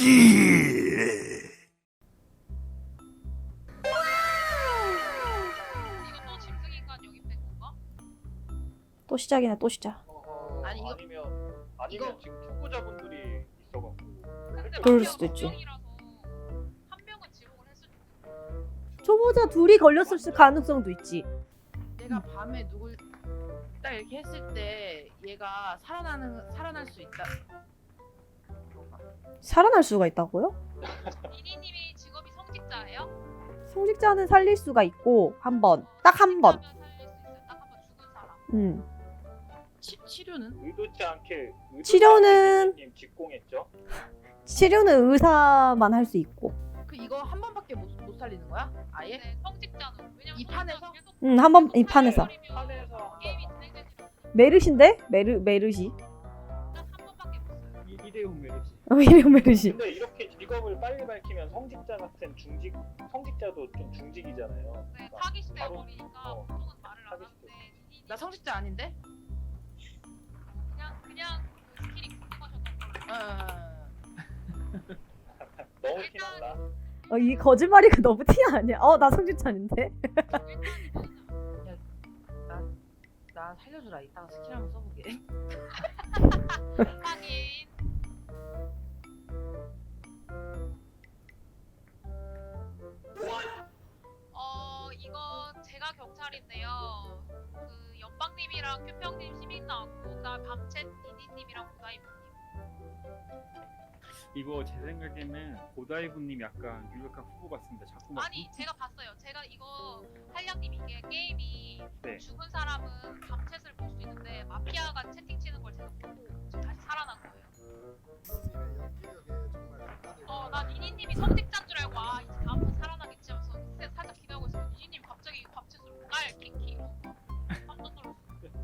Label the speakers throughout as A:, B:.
A: 또 짐승인간 영입된 건가?
B: 또 시작이네 또 시작.
A: 아니, 이거-
C: 아니면 지금 초보자분들이 있어갖고.
A: 근데
B: 그럴
A: 마피아가
B: 수도
A: 두
B: 있지.
A: 명이라서 한 명은 지목을 했을 텐데.
B: 초보자 둘이 걸렸을 가능성도 있지.
D: 내가 밤에 누굴 딱 이렇게 했을 때 얘가 살아날 수 있다.
B: 살아날 수가 있다고요?
A: 니니님이 직업이 성직자예요?
B: 성직자는 살릴 수가 있고 한 번, 딱 한 번.
A: 성직자면 살릴 수 있어요. 딱 한 번 죽은 사람.
D: 치료는?
C: 의도치 않게
B: 치료는-
C: 님 직공했죠.
B: 치료는 의사만 할 수 있고.
D: 그 이거 한 번밖에 못 살리는 거야? 아예?
A: 네, 성직자는 왜냐면
D: 이 판에서?
B: 한 번 이 판에서.
C: 판에서
A: 게임이 진행되지 않아요.
B: 메르신데? 메르시.
A: 딱한 번밖에 못 써요.
C: 이대훈 메르시.
B: 이래요 메르시.
C: 근데 이렇게 직업을 빨리 밝히면 성직자 같은 성직자도 좀 중직이잖아요.
A: 네,
C: 그러니까
A: 타깃이
C: 바로-
A: 되어버리니까
C: 어,
A: 보통은 말을 안
C: 타깃이
A: 하는데 니니님
D: 나 성직자 아닌데?
A: 그냥 그 스킬이 궁금하셨던 걸로.
C: 너무 티난다.
B: 이 거짓말이가 너무 티 아니야? 나 성직자 아닌데?
D: 나 살려주라. 이따가 스킬 한번 써보게.
A: 하긴 이거 제가 경찰인데요. 그 연방님이랑 큐평님 시민 나왔고 그다음 밤챗 니니님이랑 고다이브님.
E: 이거 제 생각에는 고다이브님 약간 유력한 후보 같습니다. 자꾸 막
A: 아니 제가 봤어요. 제가 이거 한량님 이게 게임이
E: 네.
A: 죽은 사람은 밤챗을 볼 수 있는데 마피아가 채팅 치는 걸 제가 보고 지금 다시 살아난 거예요. 나 니니님이 성직자인 줄 알고 이제 다음번 살아나겠지 하면서 살짝 기대하고 있었는데 니니님 갑자기 밤챗으로 깔 킹키 깜짝 놀랐어.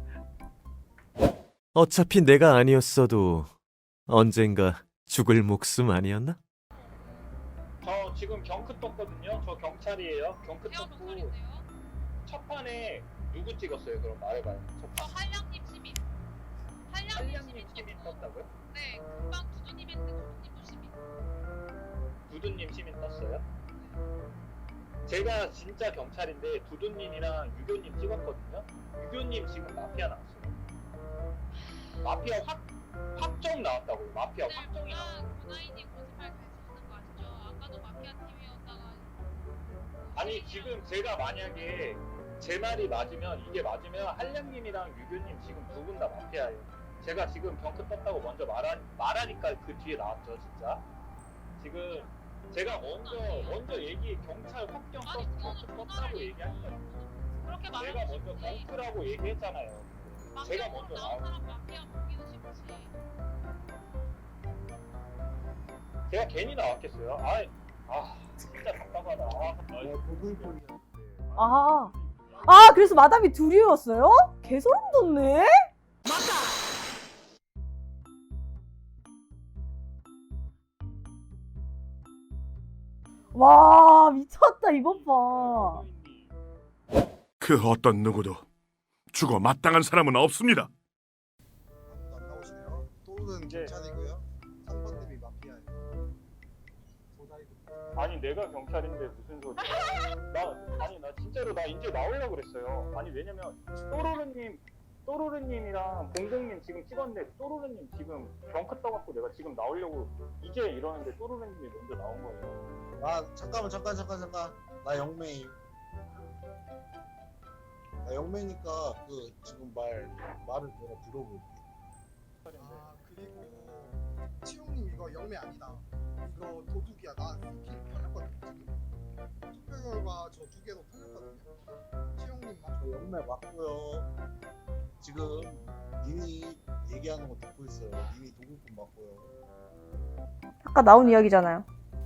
F: 어차피 내가 아니었어도 언젠가 죽을 목숨 아니었나?
C: 저 지금 경크 떴거든요. 저 경찰이에요. 경크
A: 제가
C: 떴고
A: 경찰인데요.
C: 첫 판에 누구 찍었어요? 그럼 말해봐요. 첫
A: 저
C: 판.
A: 한량님 시민. 한량님
C: 한량님 시민
A: 떴고
C: 떴다고요?
A: 네 금방 두두님 했는데 두두님도 시민.
C: 두두님 시민 떴어요? 제가 진짜 경찰인데 두두님이랑 유교님 찍었거든요. 유교님 지금 마피아 나왔어요. 마피아 확정 나왔다고요. 마피아
A: 네,
C: 확정이 나왔어요.
A: 고나이님 거짓말 계속 하는 거 아시죠? 아까도 마피아 팀이었다가
C: 아니 지금 제가 만약에 제 말이 맞으면 이게 맞으면 한량님이랑 유교님 지금 두 분 다 마피아예요. 제가 지금 경크 떴다고 먼저 말하니까 그 뒤에 나왔죠 진짜. 지금 제가 먼저 얘기 경찰 확정
A: 아니,
C: 경크
A: 그거는
C: 떴다고 얘기한 거예요.
A: 그렇게
C: 제가
A: 말하면
C: 먼저
A: 쉽지.
C: 경크라고 얘기했잖아요. 제가
A: 마피아
C: 먼저
A: 나온 사람 마피아 보기는 쉽지.
C: 제가 괜히 나왔겠어요. 진짜 답답하다.
B: 그래서 마담이 둘이었어요? 개소름 돋네? 와 미쳤다 이번 봐.
G: 그 어떤 누구도 죽어 마땅한 사람은 없습니다.
H: 안 나오시네요. 또는
C: 네.
H: 경찰이고요. 3번님이 마피아예요.
C: 아니 내가 경찰인데 무슨 소리야? 나 진짜로 나 이제 나오려고 그랬어요. 아니 왜냐면 또로르님이랑 봉봉님 지금 찍었는데 또로르님 지금 경크 떠갖고 내가 지금 나오려고 이제 이러는데 또로르님이 먼저 나온 거예요.
H: 잠깐. 나 영매임. 나 영매니까 그 지금 말을 내가 들어볼게.
I: 그리고 치용님 이거 영매 아니다. 이거 도둑이야. 나 스킬 털렸거든 지금. 투표 결과 저 두 개도 털렸거든요. 치용님만.
H: 저 영매 맞고요. 지금 님이 얘기하는 거 듣고 있어요. 님이 도둑분 맞고요.
B: 아까 나온 이야기잖아요.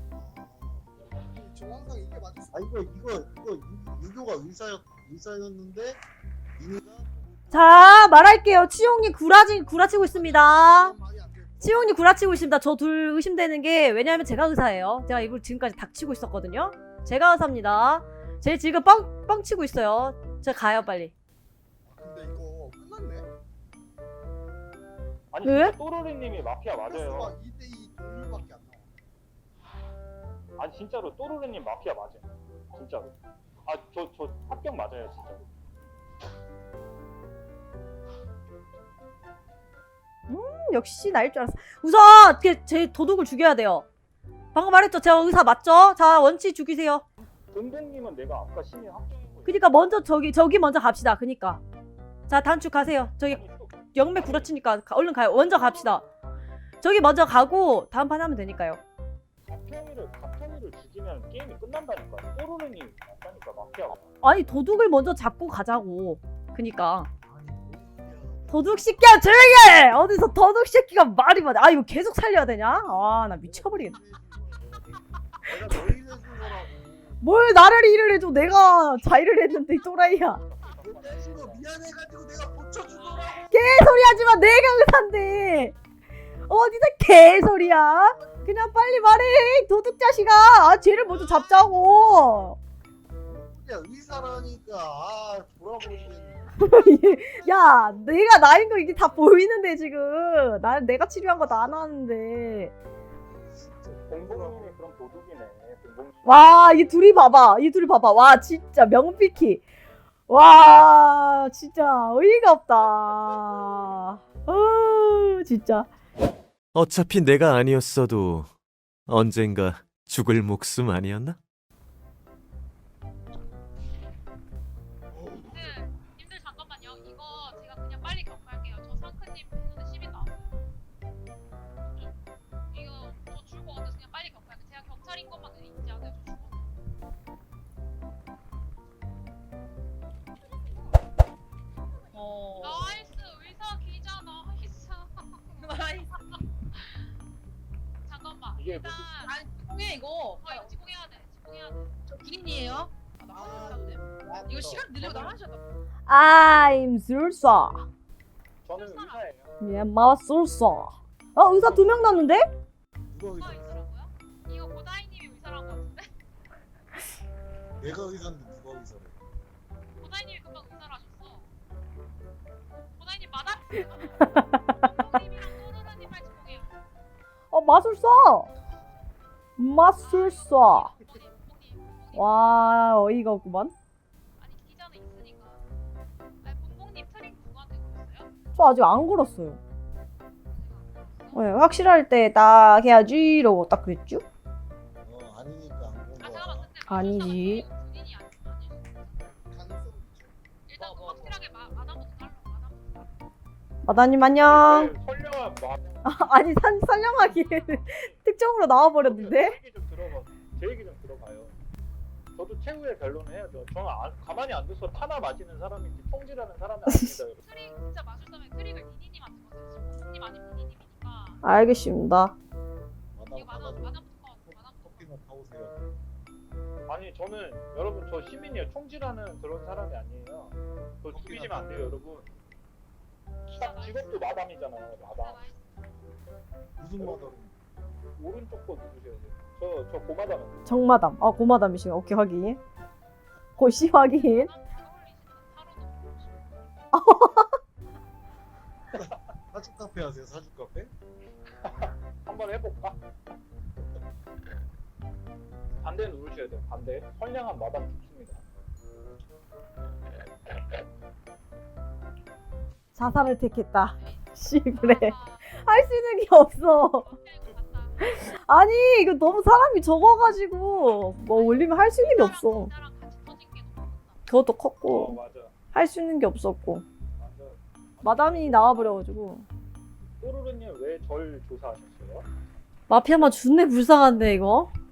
I: 저 항상 이게 맞을 수.
H: 이거 유교가 의사였는데 님이가
B: 자 말할게요. 치용님 구라치고 있습니다.
I: 말이 안 되고.
B: 치용님 구라치고 있습니다. 저 둘 의심되는 게 왜냐하면 제가 의사예요. 제가 이걸 지금까지 닥치고 있었거든요. 제가 의사입니다. 제 지금 뻥치고 있어요. 제가 가요 빨리.
I: 근데 이거 끝났네.
C: 아니
B: 왜?
C: 진짜 또로르님이 마피아 맞아요.
I: 수가 2대2 동률밖에 안 나와.
C: 아니 진짜로 또르르님 마피아 맞아요. 진짜로. 아 저 합격 맞아요 진짜로.
B: 역시 나일 줄 알았어. 우선 제 도둑을 죽여야 돼요. 방금 말했죠. 제가 의사 맞죠? 자, 원치 죽이세요.
C: 동동님은 내가 아까 시민 합격이고.
B: 그니까 먼저 저기 먼저 갑시다. 그니까. 자, 단축 가세요. 저기 영매 구라치니까 얼른 가요. 먼저 갑시다. 저기 먼저 가고 다음 판 하면 되니까요.
C: 가평이를 죽이면 게임이 끝난다니까. 또르르님 맞다니까 마피아가.
B: 아니, 도둑을 먼저 잡고 가자고. 그니까. 도둑 새끼야 조용히 해! 어디서 도둑 새끼가 말이 많아. 아, 이거 계속 살려야 되냐? 아, 나 미쳐버리겠네.
H: 내가 너희 해준 거라고.
B: 뭘 나를 일을 해줘. 내가 자일을 했는데 이 또라이야.
H: 너 떼준 거 미안해가지고 내가 고쳐준 거라고.
B: 개소리 하지마. 내가 의사인데 어디서 개소리야. 그냥 빨리 말해 도둑 자식아. 아, 쟤를 먼저 잡자고.
H: 야 의사라니까. 아 돌아보시겠네.
B: 야, 내가 나인 거 이게 다 보이는데 지금 내가 치료한 거 다 안 하는데.
C: 동동님이 그럼 도둑이네. 동동님.
B: 와, 이 둘이 봐봐. 와, 진짜 명피키. 와, 진짜 어이가 없다. 진짜.
F: 어차피 내가 아니었어도 언젠가 죽을 목숨 아니었나?
A: 님들 잠깐만요. 이거 제가 그냥 빨리 격파할게요. 저 상크님 배송대 10인 나왔어요. 이거 저 죽을 것 같아서 그냥 빨리 격파할게요. 제가 경찰인 것만 잊지 않아요. 저 죽었어요. 나이스 의사 기자 나이스.
D: 나이스.
A: 잠깐만.
C: 이게
A: 일단
D: 아니 통해 이거.
A: 이거 지공해야 돼. 지공해야 돼.
D: 저 군인이에요? 아, 나왔는데. 이거 시간 늘리고 나가셔도.
B: I'm 술사.
C: 저는 의사예요.
B: 예, 마술사. 의사 2명 났는데?
H: 누가
A: 누가
H: 의사?
A: 의사라고요? 이거 고다이님이 의사라고 같은데?
H: 내가 의사인데 누가 의사래?
A: 고다이님이 금방 의사라셨어. 고다이님 마담. 님이랑 또르르님 빨리 지공해요.
B: 마술사. 마술사.
A: 봉봉님.
B: 와, 어이가 없구만.
A: 아니 기자는 있으니까. 아니 봉봉님 트링 누구한테 걸었어요?
B: 저 아직 안 걸었어요. 네, 확실할 때 딱 해야지 이러고 딱 그랬죠?
H: 아니니까 안 본
A: 아
H: 거야.
A: 잠깐만 근데
B: 아니지.
A: 군인이 아닐
I: 가능성 있죠.
A: 일단 확실하게 마담부터 달라. 마담부터.
B: 마다님 안녕.
C: 네, 선량한 마음.
B: 아니 선량하게 특정으로 나와버렸는데?
C: 제 얘기 좀 들어봐요. 저도 최후의 변론을 해야죠. 저는 가만히 안 둬서 타나 마시는 사람인지 통질하는 사람이 아닙니다. 여러분.
A: 트릭 진짜 마술사면 트릭을 니니님한테 거세요. 봉봉님 아니면 니니님이니까.
B: 알겠습니다.
A: 이거 마담부터
H: 커피나 타오세요.
C: 아니 저는 여러분 저 시민이에요. 총질하는 그런 사람이 아니에요. 저 죽이시면 안 돼요 여러분. 딱 직업도 마담이잖아요. 마담.
H: 무슨 마담?
C: 오른쪽 거 누르셔야 돼요. 저 고마담.
B: 정마담. 고마담이시네. 오케이 확인. 고시 확인.
H: 사주 카페 하세요. 사주 카페?
C: 한번 해볼까? 반대 누르셔야 돼요. 반대. 선량한 마담 좋습니다.
B: 자살을 택했다. 씨 그래. 할 수 있는 게 없어. 아니 이거 너무 사람이 적어가지고 뭐 올리면 할 수 있는 게 없어. 그것도 컸고
C: 맞아.
B: 할 수 있는 게 없었고
C: 맞아.
B: 마담이 나와버려가지고.
C: 또르르님 왜 절 조사하셨어요?
B: 마피아만 존내 불쌍한데 이거.